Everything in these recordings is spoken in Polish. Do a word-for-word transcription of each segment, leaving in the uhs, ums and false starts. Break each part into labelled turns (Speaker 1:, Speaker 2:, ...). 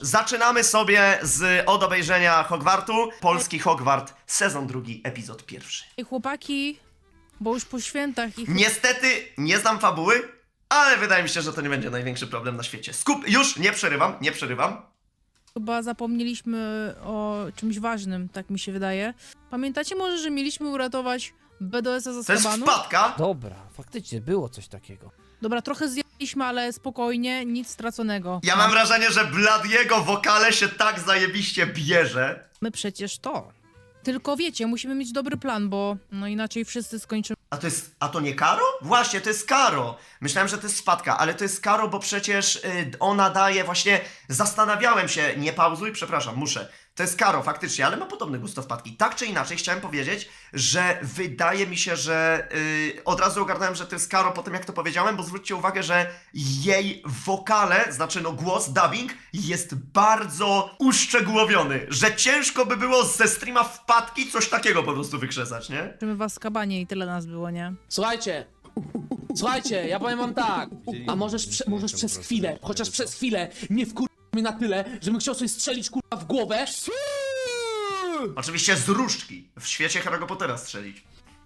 Speaker 1: Zaczynamy sobie z od obejrzenia Hogwartu. Polski Hogwart, sezon drugi, epizod pierwszy.
Speaker 2: Ej, chłopaki, bo już po świętach ich...
Speaker 1: Niestety nie znam fabuły, ale wydaje mi się, że to nie będzie największy problem na świecie. Skup, już, nie przerywam, nie przerywam.
Speaker 2: Chyba zapomnieliśmy o czymś ważnym, tak mi się wydaje. Pamiętacie może, że mieliśmy uratować B D S-a z
Speaker 1: To jest
Speaker 2: Azkabanu?
Speaker 1: wpadka.
Speaker 3: Dobra, faktycznie było coś takiego.
Speaker 2: Dobra, trochę zjadliśmy, ale spokojnie, nic straconego.
Speaker 1: Ja mam wrażenie, że Bladiego wokale się tak zajebiście bierze.
Speaker 2: My przecież to. Tylko wiecie, musimy mieć dobry plan, bo no inaczej wszyscy skończymy.
Speaker 1: A to jest, a to nie Karo? Właśnie, to jest Karo. Myślałem, że to jest wpadka, ale to jest Karo, bo przecież y, ona daje właśnie, zastanawiałem się, nie pauzuj, przepraszam, muszę. To jest Karo, faktycznie, ale ma podobny gust do wpadki. Tak czy inaczej, chciałem powiedzieć, że wydaje mi się, że y, od razu ogarnąłem, że to jest Karo po tym, jak to powiedziałem, bo zwróćcie uwagę, że jej wokale, znaczy no głos, dubbing, jest bardzo uszczegółowiony, że ciężko by było ze streama wpadki coś takiego po prostu wykrzesać, nie?
Speaker 2: w Azkabanie i tyle nas było, nie?
Speaker 4: Słuchajcie, słuchajcie, ja powiem wam tak. A możesz, prze, możesz przez chwilę, chociaż przez chwilę, nie wkur... mnie na tyle, żebym chciał sobie strzelić kurwa w głowę.
Speaker 1: Oczywiście z różdżki. W świecie Harry'ego Pottera strzelić.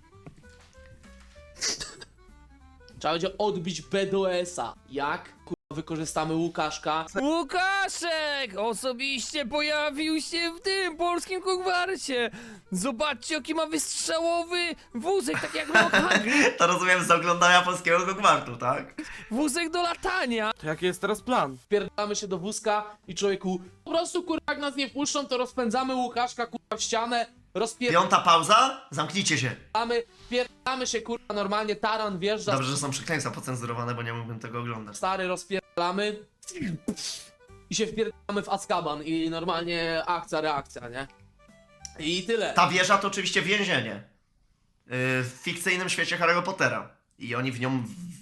Speaker 4: Trzeba będzie odbić B D S-a. Jak kurwa wykorzystamy Łukaszka?
Speaker 3: Łukaszek! Osobiście pojawił się w tym polskim Hogwarcie! Zobaczcie, jaki ma wystrzałowy wózek, tak jak miał Hagrid.
Speaker 1: To rozumiem z oglądania polskiego Hogwartu, tak?
Speaker 3: Wózek do latania!
Speaker 5: To jaki jest teraz plan?
Speaker 4: Wpierdamy się do wózka i człowieku, po prostu kurwa jak nas nie wpuszczą, to rozpędzamy Łukaszka kurwa w ścianę, rozpierdamy,
Speaker 1: Piąta pauza? Zamknijcie się.
Speaker 4: wpierdamy się kurwa normalnie, taran wjeżdża,
Speaker 1: Dobrze, że są przekleństwa pocenzurowane, bo nie mógłbym tego oglądać.
Speaker 4: stary rozpierdamy i się wpierdamy w Azkaban i normalnie akcja, reakcja, nie? I tyle.
Speaker 1: Ta wieża to oczywiście więzienie. Yy, w fikcyjnym świecie Harry'ego Pottera. I oni w nią...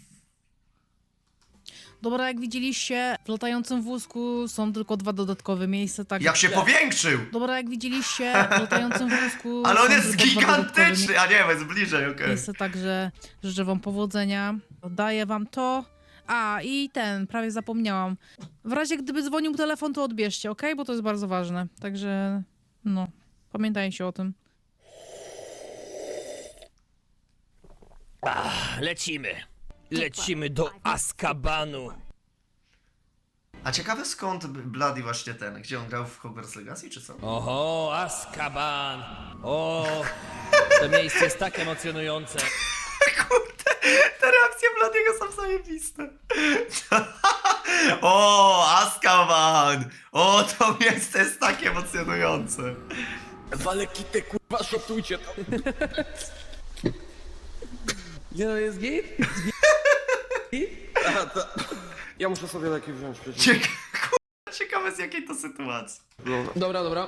Speaker 2: Dobra, jak widzieliście, w latającym wózku są tylko dwa dodatkowe miejsca, tak...
Speaker 1: Jak się
Speaker 4: Nie.
Speaker 1: powiększył!
Speaker 2: Dobra, jak widzieliście, w latającym wózku...
Speaker 1: Ale on
Speaker 2: są
Speaker 1: jest
Speaker 2: tylko dwa dodatkowe
Speaker 1: gigantyczny! A nie, jest bliżej, okej.
Speaker 2: miejsca, także życzę wam powodzenia. Daję wam to. A, i ten, prawie zapomniałam. W razie gdyby dzwonił telefon, to odbierzcie, ok? Bo to jest bardzo ważne. Także, no, pamiętajcie o tym.
Speaker 3: Lecimy. Lecimy do Azkabanu.
Speaker 1: A ciekawe skąd Bloody właśnie ten, gdzie on grał w Hogwarts Legacy, czy co?
Speaker 3: Oho, Azkaban. O, to miejsce jest tak emocjonujące.
Speaker 1: Kurde, te reakcje Bladiego są zajebiste. O, Azkaban! O, to miejsce jest tak emocjonujące.
Speaker 5: Wale kitę, kurwa, szotujcie to.
Speaker 4: Nie no, jest git?
Speaker 5: Aha, to... Ja muszę sobie leki wziąć przecież.
Speaker 1: Cieka Kurde, ciekawe z jakiej to sytuacji.
Speaker 5: Dobra.
Speaker 4: Dobra, dobra.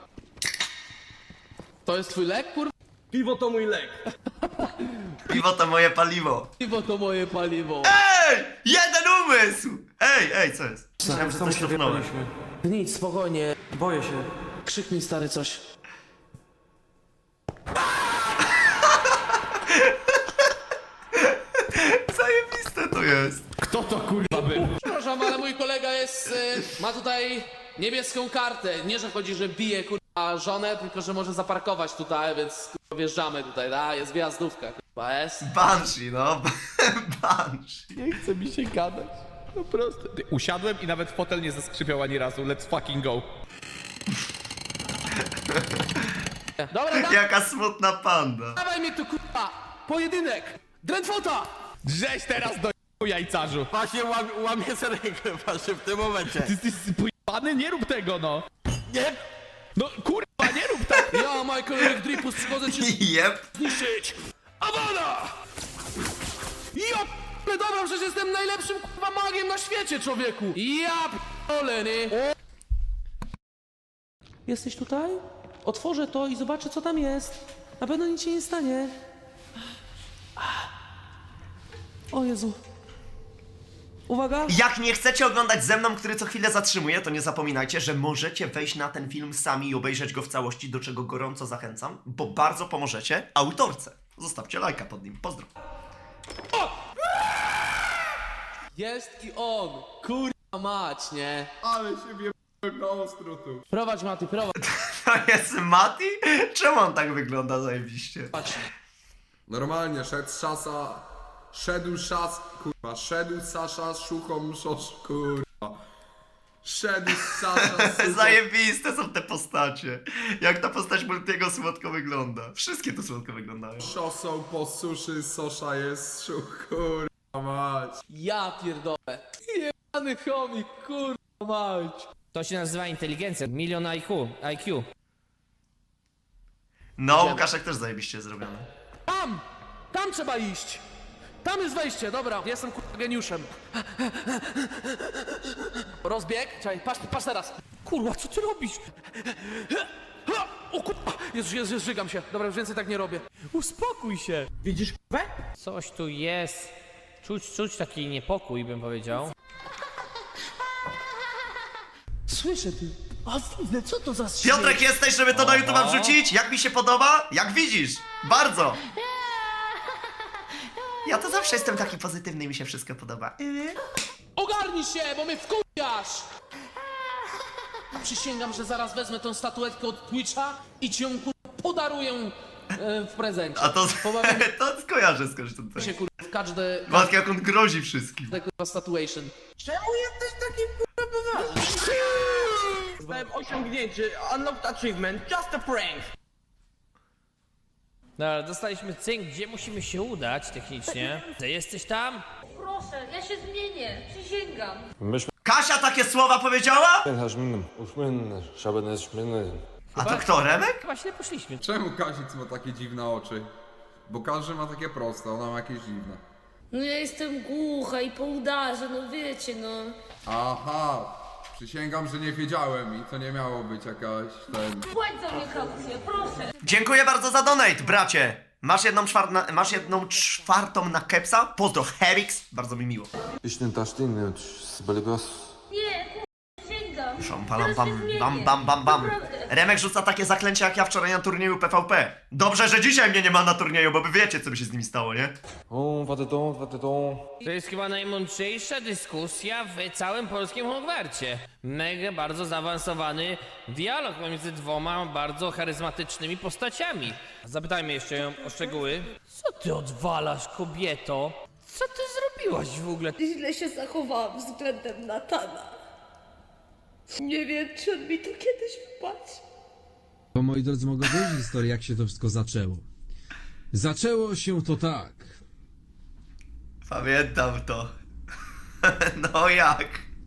Speaker 4: To jest twój lek, kurwa?
Speaker 5: Piwo to mój lek.
Speaker 1: Piwo to moje paliwo.
Speaker 4: Piwo to moje paliwo.
Speaker 1: Ej! Jeden umysł! Ej, ej, co jest? Myślałem, że
Speaker 5: Sam
Speaker 1: coś
Speaker 5: sobie
Speaker 1: równąłem.
Speaker 5: paliśmy.
Speaker 4: Nic, spokojnie.
Speaker 5: Boję się.
Speaker 4: Krzyknij stary coś.
Speaker 1: Zajebiste to jest.
Speaker 5: Kto to kurwa był?
Speaker 4: Przepraszam, ale mój kolega jest, y, ma tutaj niebieską kartę. Nie, że chodzi, że bije kurwa żonę, tylko że może zaparkować tutaj, więc kurwa wjeżdżamy tutaj, da? Jest wjazdówka, kurwa, jest.
Speaker 1: Banshee, no. Banshee.
Speaker 6: Nie chce mi się gadać. No proste. Ty, usiadłem i nawet fotel nie zaskrzypiał ani razu. Let's fucking go.
Speaker 4: Dobra, da,
Speaker 1: Jaka smutna panda.
Speaker 4: dawaj mnie tu kurwa! Pojedynek! Drętwota!
Speaker 6: Drześ teraz do jajcarzu.
Speaker 5: Właśnie łam, łamie serkę właśnie w tym momencie.
Speaker 6: Ty jesteś pojebany? Nie rób tego, no. Nie. No kurwa, nie rób tak.
Speaker 4: Ja, Michael Rick Dripus, przychodzę cię
Speaker 1: Jep.
Speaker 4: zniszczyć! Awada! Ja p***le, dobra, przecież jestem najlepszym kurwa magiem na świecie, człowieku! Ja p***le, nie? Jesteś tutaj? Otworzę to i zobaczę, co tam jest. Na pewno nic się nie stanie. O Jezu. Uwaga!
Speaker 1: Jak nie chcecie oglądać ze mną, który co chwilę zatrzymuje, to nie zapominajcie, że możecie wejść na ten film sami i obejrzeć go w całości, do czego gorąco zachęcam, bo bardzo pomożecie autorce. Zostawcie lajka pod nim. Pozdro.
Speaker 4: Jest i on! Kurwa mać, nie?
Speaker 5: Ale się wie... No strutu.
Speaker 4: Prowadź, Mati, prowadź.
Speaker 1: To jest Mati? Czemu on tak wygląda zajebiście?
Speaker 7: Normalnie, szedł szasa, szedł szas, kurwa, szedł Sasza z szuchą szosz, kurwa. Szedł Sasza z szuchą...
Speaker 1: Zajebiste są te postacie. Jak ta postać Multiego słodko wygląda. Wszystkie to słodko wyglądają.
Speaker 7: Szosą po suszy, Sosza jest szuch, kurwa mać.
Speaker 4: Ja pierdolę. Jebany chomik, kurwa mać.
Speaker 3: To się nazywa inteligencja. Milion I Q. I Q.
Speaker 1: No, Łukaszek też zajebiście zrobiony.
Speaker 4: Tam! Tam trzeba iść! Tam jest wejście, dobra, jestem kurwa geniuszem. Rozbieg, czekaj, patrz, patrz teraz.
Speaker 3: Kurwa, co ty robisz?
Speaker 4: O kurwa, Jezu, Jezu, Jezu, żygam się. Dobra, już więcej tak nie robię.
Speaker 3: Uspokój się.
Speaker 4: Widzisz kurwę?
Speaker 3: Coś tu jest. Czuć, czuć taki niepokój, bym powiedział.
Speaker 4: Słyszę ty. A widzę, co to za śmiech?
Speaker 1: Piotrek, jesteś, żeby to na YouTube'a wrzucić? Jak mi się podoba? Jak widzisz? Bardzo! Ja to zawsze jestem taki pozytywny i mi się wszystko podoba.
Speaker 4: Ogarnij się, bo mnie wkurwiasz! Przysięgam, że zaraz wezmę tą statuetkę od Twitcha i ci ją kurwa podaruję e, w prezencie.
Speaker 1: A to,
Speaker 4: Pobawimy
Speaker 1: to skojarzę skądś tutaj.
Speaker 4: się kurwa w każde,
Speaker 1: Matki, jak on grozi wszystkim.
Speaker 4: każde kurwa statuation.
Speaker 5: Czemu jesteś taki kurwa poważny? Zostałem osiągnięcie, unlocked achievement, just a prank.
Speaker 3: Dobra, dostaliśmy cynk, gdzie musimy się udać technicznie. Ty jesteś tam?
Speaker 8: Proszę, ja się zmienię, przysięgam.
Speaker 1: Kasia takie słowa powiedziała?
Speaker 9: Szabeneszminy.
Speaker 1: A to kto, Remek?
Speaker 3: Chyba źle poszliśmy.
Speaker 7: Czemu Kazik ma takie dziwne oczy? Bo każdy ma takie proste, ona ma jakieś dziwne.
Speaker 8: No ja jestem głucha i po udarze, no wiecie, no.
Speaker 7: Aha, przysięgam, że nie wiedziałem i to nie miało być jakaś ten...
Speaker 8: Płać za mnie kaucję, proszę.
Speaker 1: Dziękuję bardzo za donate, bracie. Masz jedną, czwar na, masz jedną czwartą na kepsa? Pozdro, Herix. Bardzo mi miło.
Speaker 9: Iśny tasztiny, z Beligos.
Speaker 8: Nie, kurwa, przysięgam.
Speaker 1: Szam, palam,
Speaker 8: Teraz
Speaker 1: bam,
Speaker 8: się zmienię.
Speaker 1: bam, bam, bam, bam.
Speaker 8: Naprawdę.
Speaker 1: Remek rzuca takie zaklęcia jak ja wczoraj na turnieju P V P. Dobrze, że dzisiaj mnie nie ma na turnieju, bo wy wiecie, co by się z nimi stało, nie?
Speaker 9: O, watetą, watetą.
Speaker 3: To jest chyba najmądrzejsza dyskusja w całym polskim Hogwarcie. Mega bardzo zaawansowany dialog pomiędzy dwoma bardzo charyzmatycznymi postaciami. Zapytajmy jeszcze ją o szczegóły. Co ty odwalasz, kobieto? Co ty zrobiłaś w ogóle?
Speaker 8: Źle się zachowałam względem Natana. Nie wiem, czy on mi to kiedyś wybaczy.
Speaker 10: Bo moi drodzy, mogę powiedzieć historię, jak się to wszystko zaczęło. Zaczęło się to tak.
Speaker 1: Pamiętam to. No jak?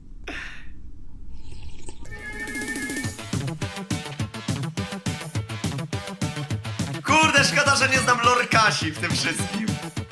Speaker 1: Kurde, szkoda, że nie znam lore Kasi w tym wszystkim.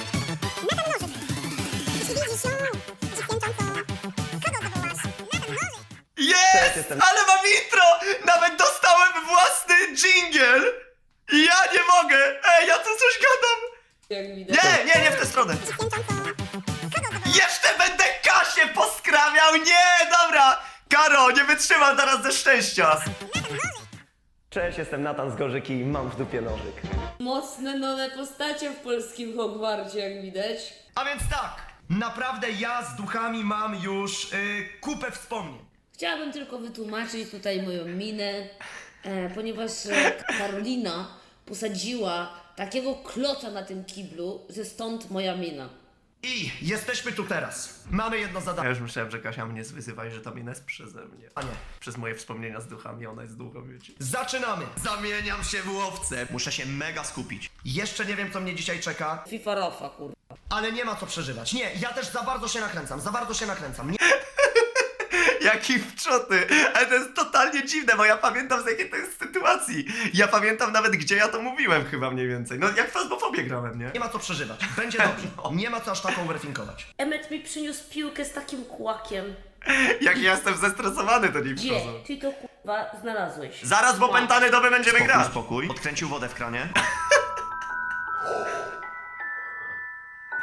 Speaker 1: Jest! Ale mam intro! Nawet dostałem własny dżingiel! I ja nie mogę! Ej, ja tu coś gadam!
Speaker 8: Jak widać.
Speaker 1: Nie, nie, nie w tę stronę! Jeszcze będę Kasię poskrawiał! Nie, dobra! Karo, nie wytrzymam teraz ze szczęścia!
Speaker 11: Cześć, jestem Natan z Gorzyki i mam w dupie nożyk.
Speaker 8: Mocne nowe postacie w polskim Hogwarcie, jak widać.
Speaker 1: A więc tak, naprawdę ja z duchami mam już yy, kupę wspomnień.
Speaker 8: Chciałabym tylko wytłumaczyć tutaj moją minę, e, ponieważ e, Karolina posadziła takiego kloca na tym kiblu, że stąd moja mina.
Speaker 1: I jesteśmy tu teraz. Mamy jedno zadanie. Ja już myślałem, że Kasia mnie zwyzywa i że ta mina jest przeze mnie. A nie, przez moje wspomnienia z duchami, ona jest duchą, wiecie. Zaczynamy! Zamieniam się w łowcę. Muszę się mega skupić. Jeszcze nie wiem, co mnie dzisiaj czeka,
Speaker 8: FIFA Rafa, kurwa.
Speaker 1: ale nie ma co przeżywać. Nie, ja też za bardzo się nakręcam, za bardzo się nakręcam. Nie... Jaki wczoty! Ale to jest totalnie dziwne, bo ja pamiętam z jakiej to jest sytuacji. Ja pamiętam nawet, gdzie ja to mówiłem chyba mniej więcej. No jak w Fazmofobię grałem, nie? Nie ma co przeżywać. Będzie dobrze. Nie ma co aż taką overthinkować.
Speaker 8: Emmet mi przyniósł piłkę z takim kłakiem.
Speaker 1: Jak ja jestem zestresowany, to nie
Speaker 8: Gdzie
Speaker 1: wchodzą.
Speaker 8: ty to kurwa znalazłeś?
Speaker 1: Zaraz w opętany doby będziemy spokój, grać. Spokój. Odkręcił wodę w kranie. Odk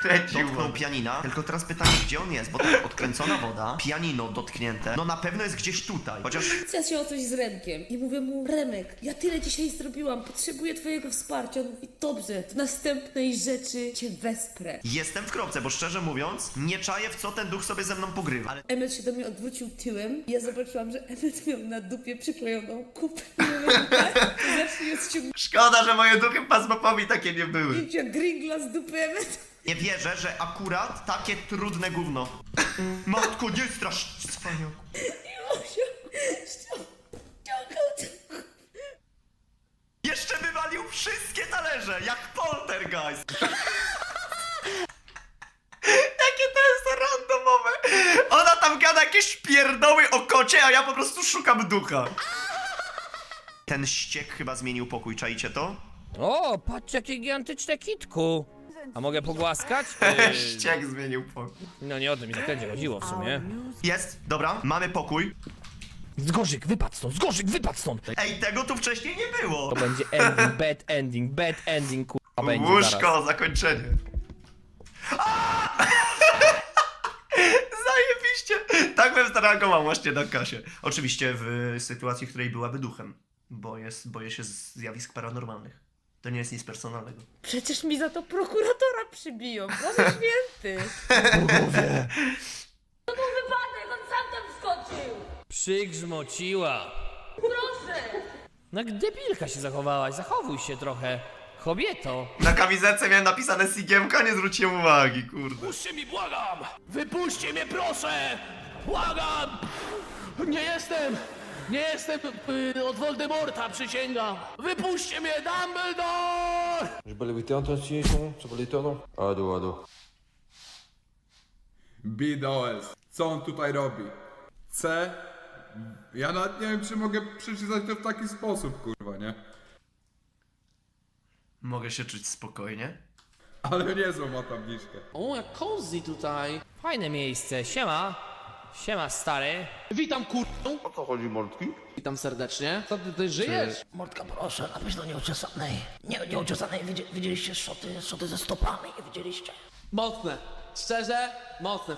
Speaker 1: odkręcił. Dotknął pianina, tylko teraz pytanie, gdzie on jest, bo tak, odkręcona woda, pianino dotknięte, no na pewno jest gdzieś tutaj, chociaż...
Speaker 8: Ja się o coś z Remkiem i mówię mu, Remek, ja tyle dzisiaj zrobiłam, potrzebuję twojego wsparcia. On mówi, dobrze, w następnej rzeczy cię wesprę.
Speaker 1: Jestem w kropce, bo szczerze mówiąc, nie czaję, w co ten duch sobie ze mną pogrywa. Ale
Speaker 8: Emmet się do mnie odwrócił tyłem i ja zobaczyłam, że Emmet miał na dupie przyklejoną kupę. I mówię, tak, to zacznie ściągnięcia
Speaker 1: szkoda, że moje duchy pasmopowi takie nie były.
Speaker 8: gringla z dupy Emmet.
Speaker 1: Nie wierzę, że akurat takie trudne gówno. Matko, nie strasz, cwaniaku. Jeszcze wywalił wszystkie talerze, jak poltergeist. Jakie to jest randomowe. Ona tam gada jakieś pierdoły o kocie, a ja po prostu szukam ducha. Ten ściek chyba zmienił pokój, czaicie to?
Speaker 3: O, patrz jakie gigantyczne kitku. A mogę pogłaskać? Yy,
Speaker 1: Ściek zmienił pokój.
Speaker 3: no nie o tym mi zakręcie chodziło w sumie.
Speaker 1: Jest, dobra, mamy pokój.
Speaker 3: Zgorzyk, wypadł stąd, Zgorzyk, wypadł stąd!
Speaker 1: Ej, tego tu wcześniej nie było.
Speaker 3: To będzie ending, bad ending, bad ending, kurwa będzie zaraz.
Speaker 1: Łóżko, zakończenie. A! Zajebiście. Tak bym zareagował właśnie na Kasię. Oczywiście w sytuacji, w której byłaby duchem. Bo jest, boję się zjawisk paranormalnych. To nie jest nic personalnego.
Speaker 8: Przecież mi za to prokuratora przybiją, Boże święty.
Speaker 1: Bogowie.
Speaker 8: To był wypadek, on sam tam wskoczył.
Speaker 3: Przygrzmociła.
Speaker 8: Proszę.
Speaker 3: No jak debilka się zachowałaś, zachowuj się trochę. Kobieto.
Speaker 1: Na kamizelce miałem napisane Sigiemka, nie zwróciłem uwagi, kurde.
Speaker 4: Wypuśćcie mi, błagam! Wypuśćcie mnie, proszę! Błagam! Nie jestem! Nie jestem y, od Voldemorta, przysięgam! Wypuśćcie mnie, Dumbledore!
Speaker 9: Je peux l'éviter en transition, ça peut l'éviter non? Ado, ado.
Speaker 7: B D O S. Co on tutaj robi? C? Ja nawet nie wiem, czy mogę przeczytać to w taki sposób, kurwa, nie?
Speaker 1: Mogę się czuć spokojnie.
Speaker 7: Ale niezłą ma tabliczkę.
Speaker 4: O, jak cozy tutaj.
Speaker 3: Fajne miejsce, siema. Siema stary.
Speaker 4: Witam, kurwę.
Speaker 9: O co chodzi, Mordki?
Speaker 4: Witam serdecznie. Co ty tutaj żyjesz?
Speaker 12: Mordka, proszę, napisz do nieuczesanej. Nie, nieuczesanej, Widzi, widzieliście szoty, szoty ze stopami, nie widzieliście?
Speaker 4: Mocne. Szczerze, mocne.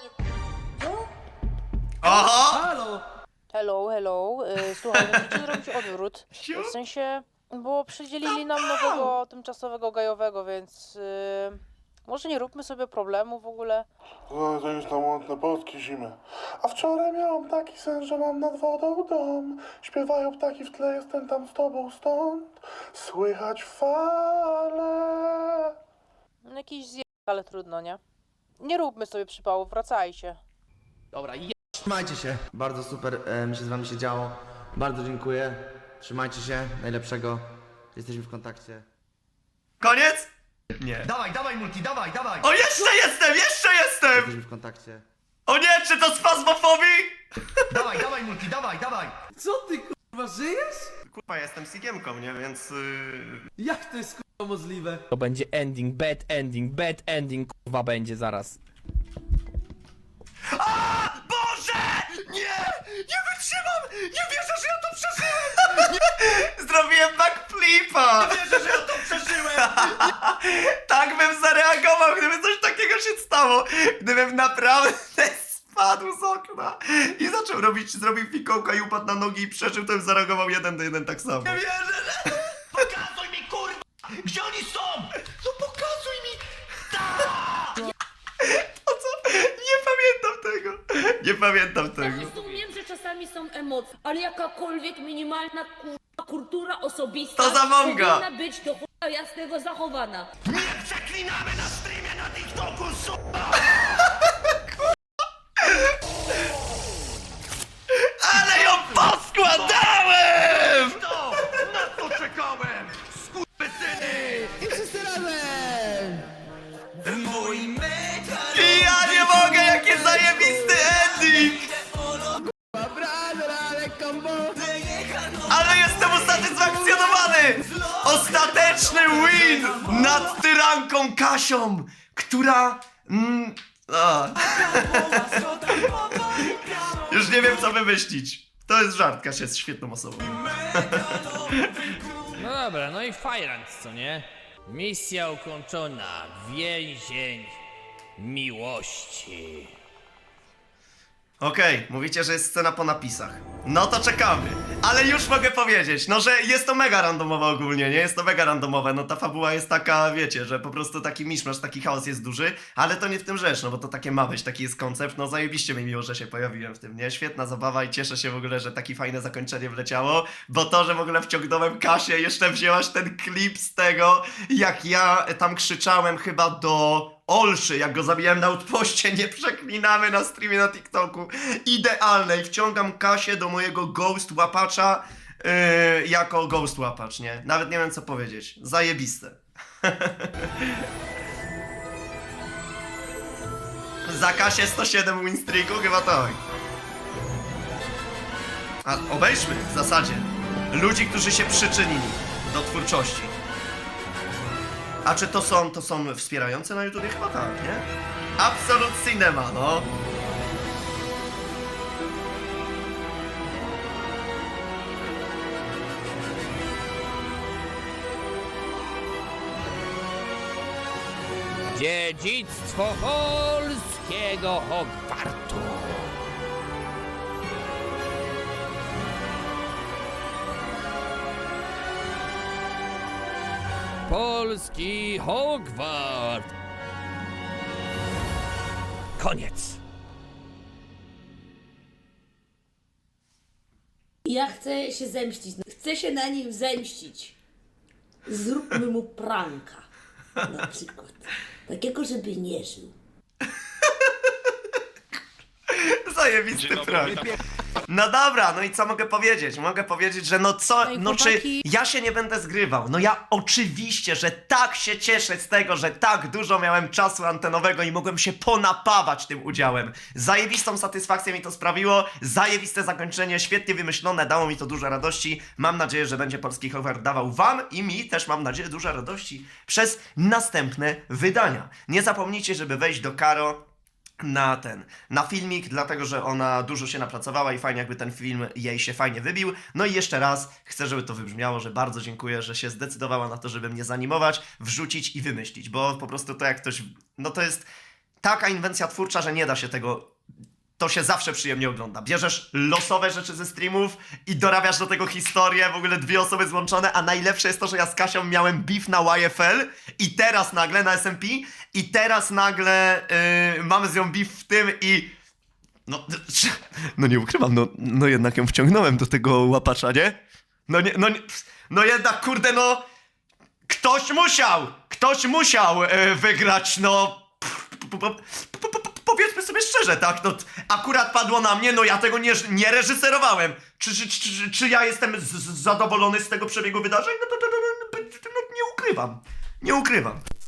Speaker 1: Oho!
Speaker 4: Halo!
Speaker 2: Hello, hello. Y, Słuchaj, musicie zrobić odwrót. W sensie, bo przydzielili nam nowego tymczasowego gajowego, więc y, może nie róbmy sobie problemu w ogóle.
Speaker 12: O, to już na łątne polskie zimy. A wczoraj miałam taki sen, że mam nad wodą dom. Śpiewają ptaki w tle, jestem tam z tobą stąd. Słychać fale.
Speaker 2: Jakiś zje... ale trudno, nie? Nie róbmy sobie przypału, wracajcie.
Speaker 4: Dobra, je...
Speaker 5: Trzymajcie się. Bardzo super e, mi się z wami się działo. Bardzo dziękuję. Trzymajcie się. Najlepszego. Jesteśmy w kontakcie.
Speaker 1: Koniec? Nie. Dawaj, dawaj multi, dawaj, dawaj. O, jeszcze jestem, jeszcze jestem!
Speaker 5: Jesteśmy w kontakcie.
Speaker 1: O nie, czy to spazmofobii? Dawaj, dawaj multi, dawaj, dawaj.
Speaker 4: Co ty, kurwa, żyjesz?
Speaker 1: Kurwa, ja jestem Sigiemką, nie? Więc... Yy...
Speaker 4: Jak to jest, kurwa, możliwe?
Speaker 3: To będzie ending, bad ending, bad ending, kurwa będzie zaraz.
Speaker 1: A! Boże! Nie! Nie wytrzymam! Nie wierzę, że ja to przeżyłem! Nie! Zrobiłem backflipa! Nie wierzę, że ja to przeżyłem! Tak bym zareagował, gdyby coś takiego się stało! Gdybym naprawdę spadł z okna i zaczął robić, zrobił fikołka i upadł na nogi i przeżył, to bym zareagował jeden do jeden tak samo. Nie wierzę, że... Pokazuj mi, kurwa! Gdzie oni są? No pokazuj mi! To co? Nie pamiętam tego! Nie pamiętam tego.
Speaker 8: Rozumiem, że czasami są emocje, ale jakakolwiek minimalna kurwa kultura osobista
Speaker 1: To za mąga.
Speaker 8: powinna być do chuja jasnego zachowana.
Speaker 1: Nie przeklinamy na streamie na TikToku, suka! Ale ją poskładałem! To! Na co czekałem? Skurwysyny! I wszyscy razem! Mój metal! I ja nie mogę, jakie zajebisty ending! Ale jestem usatysfakcjonowany! Ostateczny win nad tyranką Kasią, która... Mm, a. Już nie wiem, co wymyślić. To jest żart, Kasia jest świetną osobą.
Speaker 3: No dobra, no i Fajrant, co nie? Misja ukończona. Więzień miłości.
Speaker 1: Okej, mówicie, że jest scena po napisach. No to czekamy. Ale już mogę powiedzieć, no że jest to mega randomowe ogólnie, nie? Jest to mega randomowe, no ta fabuła jest taka, wiecie, że po prostu taki miszmasz, taki chaos jest duży, ale to nie w tym rzecz, no bo to takie ma być, taki jest koncept, no zajebiście mi miło, że się pojawiłem w tym, nie? Świetna zabawa i cieszę się w ogóle, że takie fajne zakończenie wleciało, bo to, że w ogóle wciągnąłem Kasię, jeszcze wzięłaś ten klip z tego, jak ja tam krzyczałem chyba do Olszy, jak go zabijałem na outpoście, nie przeklinamy na streamie na TikToku. Idealne i wciągam Kasię do mojego ghost łapacza yy, jako ghost łapacz, nie? Nawet nie wiem co powiedzieć. Zajebiste. Za Kasię sto siedem win streaku? Chyba tak. A obejrzmy w zasadzie ludzi, którzy się przyczynili do twórczości. A czy to są, to są wspierające na YouTubie? Chyba tak, nie? Absolute Cinema, no.
Speaker 3: Dziedzictwo polskiego Hogwartu. Polski Hogwart. Koniec.
Speaker 8: Ja chcę się zemścić. Chcę się na nim zemścić. Zróbmy mu pranka. Na przykład. Takiego, żeby nie żył.
Speaker 1: Zajebisty prank. No dobra, no i co mogę powiedzieć? Mogę powiedzieć, że no co,
Speaker 2: Ej,
Speaker 1: no czy
Speaker 2: chłopaki.
Speaker 1: ja się nie będę zgrywał? No ja oczywiście, że tak się cieszę z tego, że tak dużo miałem czasu antenowego i mogłem się ponapawać tym udziałem. Zajebistą satysfakcję mi to sprawiło, zajebiste zakończenie, świetnie wymyślone, dało mi to dużo radości. Mam nadzieję, że będzie Polski Hogwart dawał wam i mi też mam nadzieję dużo radości przez następne wydania. Nie zapomnijcie, żeby wejść do Karo na ten, na filmik, dlatego że ona dużo się napracowała i fajnie jakby ten film jej się fajnie wybił. No i jeszcze raz chcę, żeby to wybrzmiało, że bardzo dziękuję, że się zdecydowała na to, żeby mnie zanimować, wrzucić i wymyślić, bo po prostu to jak ktoś, no to jest taka inwencja twórcza, że nie da się tego, to się zawsze przyjemnie ogląda. Bierzesz losowe rzeczy ze streamów i dorabiasz do tego historię, w ogóle dwie osoby złączone, a najlepsze jest to, że ja z Kasią miałem beef na Y F L i teraz nagle na S M P i teraz nagle yy, mamy z nią beef w tym i no, no nie ukrywam, no, no jednak ją wciągnąłem do tego łapacza, nie? No nie, no nie, no jednak kurde, no ktoś musiał, ktoś musiał yy, wygrać, no powiedzmy sobie szczerze, tak, no akurat padło na mnie, no ja tego nie, nie reżyserowałem. Czy, czy, czy, czy ja jestem z, z zadowolony z tego przebiegu wydarzeń? No to, to, to, to, to, to, to, to nie ukrywam, nie ukrywam.